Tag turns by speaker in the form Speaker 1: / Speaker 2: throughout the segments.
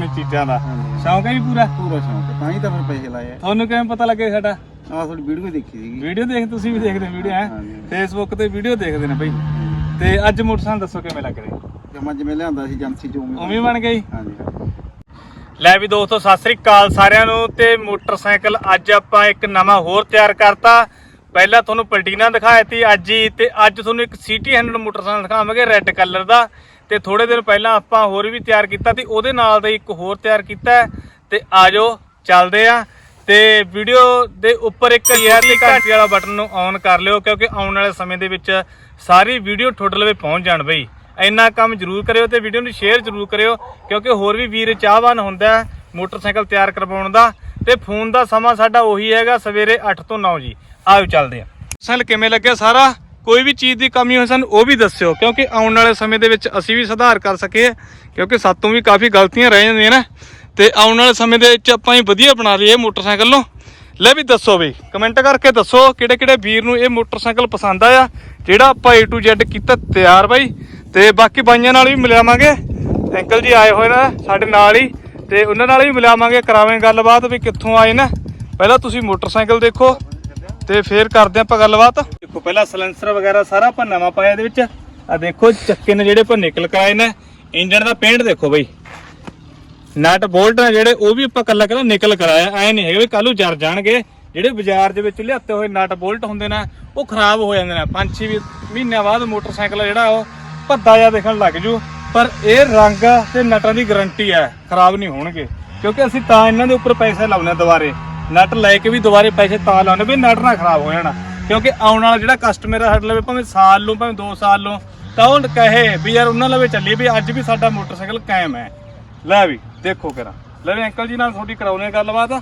Speaker 1: ਪੁਰਾਣੀ ਚੀਜ਼ਾਂ ਦਾ ਸ਼ੌਂਕ ਹੈ ਜੀ ਪੂਰਾ
Speaker 2: ਸ਼ੌਂਕ ਤਾਂ ਹੀ ਤਾਂ ਫਿਰ ਪੈਸੇ ਲਾਏ ਆ।
Speaker 1: ਤੁਹਾਨੂੰ ਕਿਵੇਂ ਪਤਾ ਲੱਗੇ ਸਾਡਾ?
Speaker 2: ਆਹ ਤੁਹਾਡੀ ਵੀਡੀਓ ਦੇਖੀ ਸੀਗੀ।
Speaker 1: ਵੀਡੀਓ ਦੇਖ ਤੁਸੀਂ ਵੀ ਦੇਖਦੇ ਵੀਡੀਓ ਹੈ ਫੇਸਬੁੱਕ ਤੇ ਵੀਡੀਓ ਦੇਖਦੇ ਨੇ ਬਈ। ਤੇ ਅੱਜ ਮੋਟਰਸਾਈਕਲ ਦੱਸੋ ਕਿਵੇਂ ਲੱਗ ਰਿਹਾ?
Speaker 2: ਜਮਾ ਜਿਵੇਂ ਲਿਆਂਦਾ ਸੀ ਏਜੰਸੀ ਚੋਂ
Speaker 1: ਉਵੇਂ ਬਣ ਗਈ।
Speaker 2: ਹਾਂਜੀ
Speaker 1: ਲੈ ਵੀ ਦੋਸਤੋ ਸਤਿ ਸ੍ਰੀ ਅਕਾਲ ਸਾਰਿਆਂ ਨੂੰ। ਤੇ ਮੋਟਰਸਾਈਕਲ ਅੱਜ ਆਪਾਂ ਇੱਕ ਨਵਾਂ ਹੋਰ ਤਿਆਰ ਕਰਤਾ। ਪਹਿਲਾਂ ਤੁਹਾਨੂੰ ਪਲਟੀਨਾ ਦਿਖਾਇਆ ਸੀ ਅੱਜ ਹੀ, ਤੇ ਅੱਜ ਤੁਹਾਨੂੰ ਇੱਕ ਸਿਟੀ 100 ਮੋਟਰਸਾਈਕਲ ਦਿਖਾਵਾਂਗੇ ਰੈੱਡ ਕਲਰ ਦਾ। ਤੇ ਥੋੜੇ ਦਿਨ ਪਹਿਲਾਂ ਆਪਾਂ ਹੋਰ ਵੀ ਤਿਆਰ ਕੀਤਾ ਤੇ ਉਹਦੇ ਨਾਲ ਦਾ ਇੱਕ ਹੋਰ ਤਿਆਰ ਕੀਤਾ। ਤੇ ਆਜੋ ਚੱਲਦੇ ਆ। ਤੇ ਵੀਡੀਓ ਦੇ ਉੱਪਰ ਇੱਕ ਤੇ ਘੰਟੀ ਵਾਲਾ ਬਟਨ ਨੂੰ ਔਨ ਕਰ ਲਿਓ, ਕਿਉਂਕਿ ਆਉਣ ਵਾਲੇ ਸਮੇਂ ਦੇ ਵਿੱਚ ਸਾਰੀ ਵੀਡੀਓ ਤੁਹਾਡੇ ਲਵੇ ਪਹੁੰਚ ਜਾਣ ਬਈ। ਇੰਨਾ ਕੰਮ ਜ਼ਰੂਰ ਕਰਿਓ ਤੇ ਵੀਡੀਓ ਨੂੰ ਸ਼ੇਅਰ ਜ਼ਰੂਰ ਕਰਿਓ, ਕਿਉਂਕਿ ਹੋਰ ਵੀ ਵੀਰ ਚਾਹਵਾਨ ਹੁੰਦਾ ਮੋਟਰਸਾਈਕਲ ਤਿਆਰ ਕਰਵਾਉਣ ਦਾ। ਤੇ ਫੋਨ ਦਾ ਸਮਾਂ ਸਾਡਾ ਉਹੀ ਹੈਗਾ ਸਵੇਰੇ 8 ਤੋਂ 9 ਜੀ। ਆਓ ਚੱਲਦੇ ਆ। ਮੋਟਰਸਾਈਕਲ ਕਿਵੇਂ ਲੱਗਿਆ ਸਾਰਾ, ਕੋਈ ਵੀ ਚੀਜ਼ ਦੀ ਕਮੀ ਹੋਏ ਸਾਨੂੰ ਉਹ ਵੀ ਦੱਸਿਓ, ਕਿਉਂਕਿ ਆਉਣ ਵਾਲੇ ਸਮੇਂ ਦੇ ਵਿੱਚ ਅਸੀਂ ਵੀ ਸੁਧਾਰ ਕਰ ਸਕੀਏ, ਕਿਉਂਕਿ ਸਾਤੋਂ ਵੀ ਕਾਫੀ ਗਲਤੀਆਂ ਰਹਿ ਜਾਂਦੀਆਂ ਨੇ। ਤੇ ਆਉਣ ਵਾਲੇ ਸਮੇਂ ਦੇ ਵਿੱਚ ਆਪਾਂ ਹੀ ਵਧੀਆ ਬਣਾ ਲਈਏ ਮੋਟਰਸਾਈਕਲ ਨੂੰ। ਲੈ ਵੀ ਦੱਸੋ ਬਈ, ਕਮੈਂਟ ਕਰਕੇ ਦੱਸੋ ਕਿਹੜੇ ਕਿਹੜੇ ਵੀਰ ਨੂੰ ਇਹ ਮੋਟਰਸਾਈਕਲ ਪਸੰਦ ਆਇਆ, ਜਿਹੜਾ ਆਪਾਂ A to Z ਕੀਤਾ ਤਿਆਰ ਬਾਈ। ਤੇ ਬਾਕੀ ਬਾਈਆਂ ਨਾਲ ਵੀ ਮਿਲਾਵਾਂਗੇ, ਅੰਕਲ ਜੀ ਆਏ ਹੋਏ ਨੇ ਸਾਡੇ ਨਾਲ ਹੀ, ਤੇ ਉਹਨਾਂ ਨਾਲ ਵੀ ਮਿਲਾਵਾਂਗੇ, ਕਰਾਵਾਂਗੇ ਗੱਲਬਾਤ ਵੀ ਕਿੱਥੋਂ ਆਏ ਨੇ। ਪਹਿਲਾਂ ਤੁਸੀਂ ਮੋਟਰਸਾਈਕਲ ਦੇਖੋ ਤੇ ਫੇਰ ਕਰਦੇ ਆਪਾਂ ਗੱਲਬਾਤ। ਦੇਖੋ ਪਹਿਲਾਂ ਸਲੈਂਸਰ ਵਗੈਰਾ ਸਾਰਾ ਆਪਾਂ ਨਵਾਂ ਪਾਇਆ ਇਹਦੇ ਵਿੱਚ। ਆ ਦੇਖੋ ਚੱਕੇ ਨੇ ਜਿਹੜੇ ਆਪਾਂ ਨਿਕਲ ਕਰਾਏ ਨੇ। ਇੰਜਣ ਦਾ ਪੇਂਟ ਦੇਖੋ ਬਈ, ਨਟ ਬੋਲਟ ਨੇ ਜਿਹੜੇ ਉਹ ਵੀ ਆਪਾਂ ਕੱਲਾ ਨਿਕਲ ਕਰਾਇਆ। ਐ ਨਹੀਂ ਹੈਗਾ ਵੀ ਕੱਲ ਨੂੰ ਜਰ ਜਾਣਗੇ। ਜਿਹੜੇ ਬਾਜ਼ਾਰ ਦੇ ਵਿੱਚ ਲਿਆਤੇ ਹੋਏ ਨਟ ਬੋਲਟ ਹੁੰਦੇ ਨੇ ਉਹ ਖਰਾਬ ਹੋ ਜਾਂਦੇ ਨੇ। 5-6 ਮਹੀਨਿਆਂ ਬਾਅਦ ਮੋਟਰਸਾਈਕਲ ਜਿਹੜਾ ਉਹ ਭੱਦਾ ਜਿਹਾ ਦਿਖਣ ਲੱਗ ਜੂ। ਪਰ ਇਹ ਰੰਗ ਤੇ ਨਟਾਂ ਦੀ ਗਾਰੰਟੀ ਹੈ, ਖਰਾਬ ਨਹੀਂ ਹੋਣਗੇ, ਕਿਉਂਕਿ ਅਸੀਂ ਤਾਂ ਇਹਨਾਂ ਦੇ ਉੱਪਰ ਪੈਸੇ ਲਾਉਣੇ ਦੁਬਾਰੇ। ਨਟ ਲੈ ਕੇ ਵੀ ਦੁਬਾਰੇ ਪੈਸੇ ਤਾਂ ਲਾਉਣੇ ਵੀ ਨਟ ਨਾ ਖਰਾਬ ਹੋ ਜਾਣਾ, ਕਿਉਂਕਿ ਆਉਣ ਵਾਲਾ ਜਿਹੜਾ ਕਸਟਮਰ ਸਾਡੇ ਲਵੇ ਭਾਵੇਂ ਸਾਲ ਨੂੰ ਭਾਵੇਂ 2 ਸਾਲ ਨੂੰ, ਤਾਂ ਉਹ ਕਹੇ ਵੀ ਯਾਰ ਉਹਨਾਂ ਲਵੇ ਚੱਲੀਏ ਵੀ ਅੱਜ ਵੀ ਸਾਡਾ ਮੋਟਰਸਾਈਕਲ ਕਾਇਮ ਹੈ। ਲੈ ਵੀ ਦੇਖੋ ਕਰਾਂ। ਲੈ ਵੀ ਅੰਕਲ ਜੀ ਨਾਲ ਤੁਹਾਡੀ ਕਰਾਉਣੇ ਗੱਲਬਾਤ।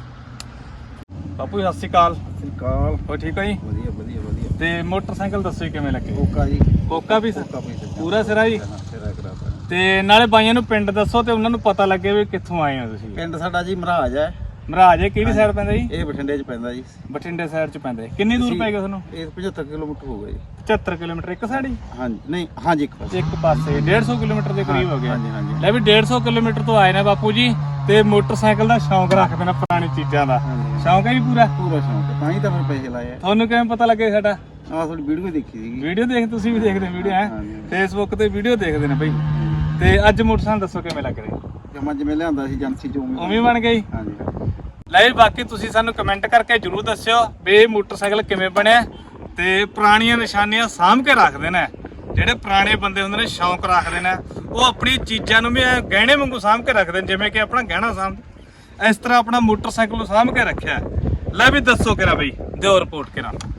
Speaker 1: ਬਾਪੂ ਸਤਿ ਸ਼੍ਰੀ ਅਕਾਲ। ਹੋ ਠੀਕ ਹੋ ਜੀ?
Speaker 2: ਵਧੀਆ ਵਧੀਆ ਵਧੀਆ।
Speaker 1: ਤੇ ਮੋਟਰਸਾਈਕਲ ਦੱਸੋ ਜੀ ਕਿਵੇਂ ਲੱਗੇ?
Speaker 2: ਕੋਕਾ ਜੀ।
Speaker 1: ਕੋਕਾ ਵੀ ਪੂਰਾ ਸਿਰਾ ਜੀ। ਤੇ ਨਾਲੇ ਬਾਈਆਂ ਨੂੰ ਪਿੰਡ ਦੱਸੋ ਤੇ ਉਹਨਾਂ ਨੂੰ ਪਤਾ ਲੱਗੇ ਵੀ ਕਿੱਥੋਂ ਆਏ ਹੋ ਤੁਸੀਂ।
Speaker 2: ਪਿੰਡ ਸਾਡਾ ਜੀ ਮਹਾਰਾਜ ਹੈ।
Speaker 1: ਮਹਾਰਾਜ ਕਿਹੜੀ ਸਾਈਡ ਪੈਂਦਾ ਜੀ?
Speaker 2: ਇਹ ਬਠਿੰਡੇ 'ਚ ਪੈਂਦਾ ਜੀ।
Speaker 1: ਬਠਿੰਡੇ ਸਾਈਡ 'ਚ ਪੈਂਦਾ। ਕਿੰਨੀ ਦੂਰ ਪੈ ਗਿਆ ਤੁਹਾਨੂੰ?
Speaker 2: ਇਹ 75 ਕਿਲੋਮੀਟਰ ਹੋ ਗਿਆ ਜੀ।
Speaker 1: 75 ਕਿਲੋਮੀਟਰ ਇੱਕ ਸਾਈਡ ਹੀ?
Speaker 2: ਹਾਂਜੀ ਨਹੀਂ ਹਾਂਜੀ ਇੱਕ
Speaker 1: ਪਾਸੇ 150 ਕਿਲੋਮੀਟਰ ਦੇ ਕਰੀਬ ਹੋ ਗਿਆ।
Speaker 2: ਹਾਂਜੀ ਹਾਂਜੀ।
Speaker 1: ਲੈ ਵੀ 150 ਕਿਲੋਮੀਟਰ ਤੋਂ ਆਏ ਨੇ ਬਾਪੂ ਜੀ, ਤੇ ਮੋਟਰਸਾਈਕਲ ਦਾ ਸ਼ੌਂਕ ਰੱਖਦੇ ਨੇ, ਪੁਰਾਣੀ ਚੀਜ਼ਾਂ ਦਾ ਸ਼ੌਂਕ ਹੈ ਜੀ ਪੂਰਾ
Speaker 2: ਸ਼ੌਂਕ ਤਾਂ ਹੀ ਤਾਂ ਫਿਰ ਪੈਸੇ ਲਾਏ ਆ।
Speaker 1: ਤੁਹਾਨੂੰ ਕਿਵੇਂ ਪਤਾ ਲੱਗੇ ਸਾਡਾ?
Speaker 2: ਆਹ ਤੁਹਾਡੀ ਵੀਡੀਓ ਦੇਖੀ ਸੀਗੀ।
Speaker 1: ਵੀਡੀਓ ਦੇਖ ਤੁਸੀਂ ਵੀ ਦੇਖਦੇ ਵੀਡੀਓ ਹੈ ਫੇਸਬੁੱਕ ਤੇ ਵੀਡੀਓ ਦੇਖਦੇ ਨੇ ਬਈ। ਤੇ ਅੱਜ ਮੋਟਰਸਾਈਕਲ ਦੱਸੋ ਕਿਵੇਂ ਲੱਗ ਰਿਹਾ?
Speaker 2: ਜਮਾ ਜਿਵੇਂ ਲਿਆਂਦਾ ਸੀ ਏਜੰਸੀ ਚੋਂ
Speaker 1: ਉਵੇਂ ਬਣ ਗਈ।
Speaker 2: ਹਾਂਜੀ।
Speaker 1: ਲੈ ਬਾਕੀ ਤੁਸੀਂ ਸਾਨੂੰ ਕਮੈਂਟ ਕਰਕੇ ਜਰੂਰ ਦੱਸਿਓ ਵੀ ਇਹ ਮੋਟਰਸਾਈਕਲ ਕਿਵੇਂ ਬਣਿਆ। ਤੇ ਪੁਰਾਣੀਆਂ ਨਿਸ਼ਾਨੀਆਂ ਸਾਂਭ ਕੇ ਰੱਖਦੇ ਨੇ। ਜਿਹੜੇ ਪੁਰਾਣੇ ਬੰਦੇ ਹੁੰਦੇ ਨੇ ਸ਼ੌਂਕ ਰੱਖਦੇ ਨੇ, ਉਹ ਆਪਣੀ ਚੀਜ਼ਾਂ ਨੂੰ ਵੀ ਗਹਿਣੇ ਵਾਂਗੂ ਸਾਂਭ ਕੇ ਰੱਖਦੇ ਨੇ, ਜਿਵੇਂ ਕਿ ਆਪਣਾ ਗਹਿਣਾ ਸਾਂਭ, ਇਸ ਤਰ੍ਹਾਂ ਆਪਣਾ ਮੋਟਰਸਾਈਕਲ ਨੂੰ ਸਾਂਭ ਕੇ ਰੱਖਿਆ। ਲੈ ਵੀ ਦੱਸੋ ਕਿਰਾ ਬਈ, ਦਿਓ ਰਿਪੋਰਟ ਕਿਰਾ।